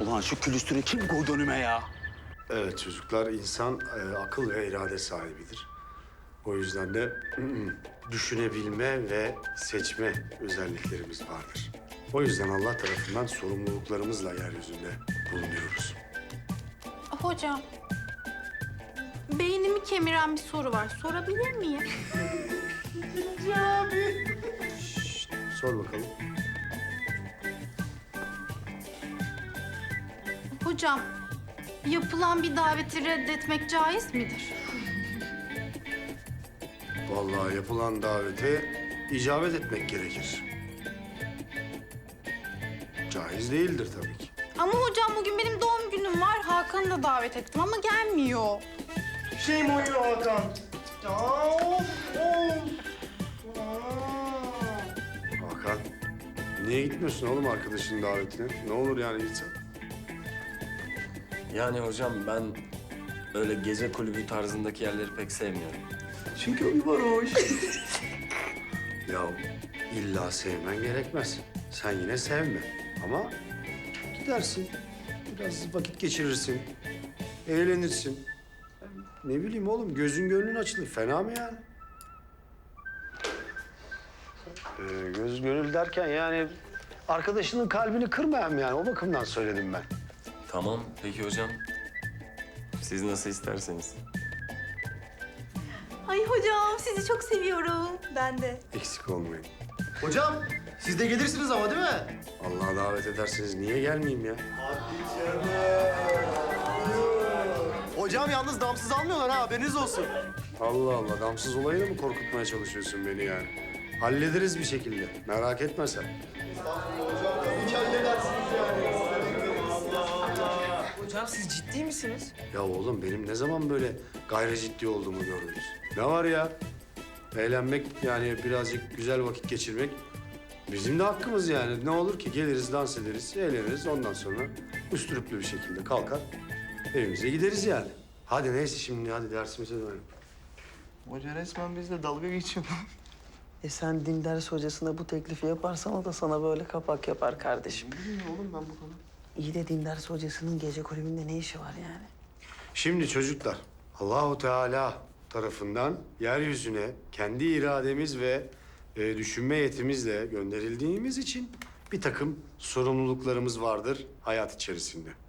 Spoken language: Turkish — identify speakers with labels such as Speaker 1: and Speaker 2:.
Speaker 1: Ulan şu külüstürü kim koydu önüme ya?
Speaker 2: Evet çocuklar, insan akıl ve irade sahibidir. O yüzden de düşünebilme ve seçme özelliklerimiz vardır. O yüzden Allah tarafından sorumluluklarımızla yeryüzünde bulunuyoruz.
Speaker 3: Hocam, beynimi kemiren bir soru var. Sorabilir miyim?
Speaker 2: Sor bakalım.
Speaker 3: Hocam, yapılan bir daveti reddetmek caiz midir?
Speaker 2: Vallahi yapılan davete icabet etmek gerekir. Caiz değildir tabii ki.
Speaker 3: Ama hocam bugün benim doğum günüm var. Hakan'ı da davet ettim ama gelmiyor.
Speaker 4: Şey mi oynuyor Hakan? Ya of of.
Speaker 2: Hakan, niye gitmiyorsun oğlum arkadaşının davetine? Ne olur yani gitsen.
Speaker 5: Yani hocam ben öyle gece kulübü tarzındaki yerleri pek sevmiyorum.
Speaker 1: Çünkü o bir varoş.
Speaker 2: Ya illa sevmen gerekmez. Sen yine sevme ama gidersin. Biraz vakit geçirirsin. Eğlenirsin. Ne bileyim oğlum, gözün gönlün açılır. Fena mı yani? Göz gönül derken yani arkadaşının kalbini kırmayayım yani. O bakımdan söyledim ben.
Speaker 5: Tamam peki hocam. Siz nasıl isterseniz.
Speaker 3: Ay hocam sizi çok seviyorum. Ben de.
Speaker 2: Eksik olmayın.
Speaker 4: Hocam siz de gelirsiniz ama değil mi?
Speaker 2: Allah'a davet ederseniz niye gelmeyeyim ya?
Speaker 4: Hocam yalnız damsız almıyorlar ha, haberiniz olsun.
Speaker 2: Allah Allah, damsız olayını mı korkutmaya çalışıyorsun beni yani? Hallederiz bir şekilde. Merak etme sen.
Speaker 6: Hocam siz ciddi misiniz?
Speaker 2: Ya oğlum benim ne zaman böyle gayri ciddi olduğumu gördünüz? Ne var ya? Eğlenmek yani birazcık güzel vakit geçirmek bizim de hakkımız yani. Ne olur ki geliriz, dans ederiz, eğleniriz. Ondan sonra üstürüplü bir şekilde kalkar evimize gideriz yani. Hadi neyse şimdi hadi dersimize dönelim.
Speaker 4: Hoca resmen bizle dalga geçiyor.
Speaker 6: Sen din ders hocasına bu teklifi yaparsan o da sana böyle kapak yapar kardeşim.
Speaker 4: Bilmiyorum oğlum ben bu konu.
Speaker 6: İyi de din ders hocasının gece kulübünde ne işi var yani?
Speaker 2: Şimdi çocuklar, Allahu Teala tarafından yeryüzüne kendi irademiz ve düşünme yetimizle gönderildiğimiz için bir takım sorumluluklarımız vardır hayat içerisinde.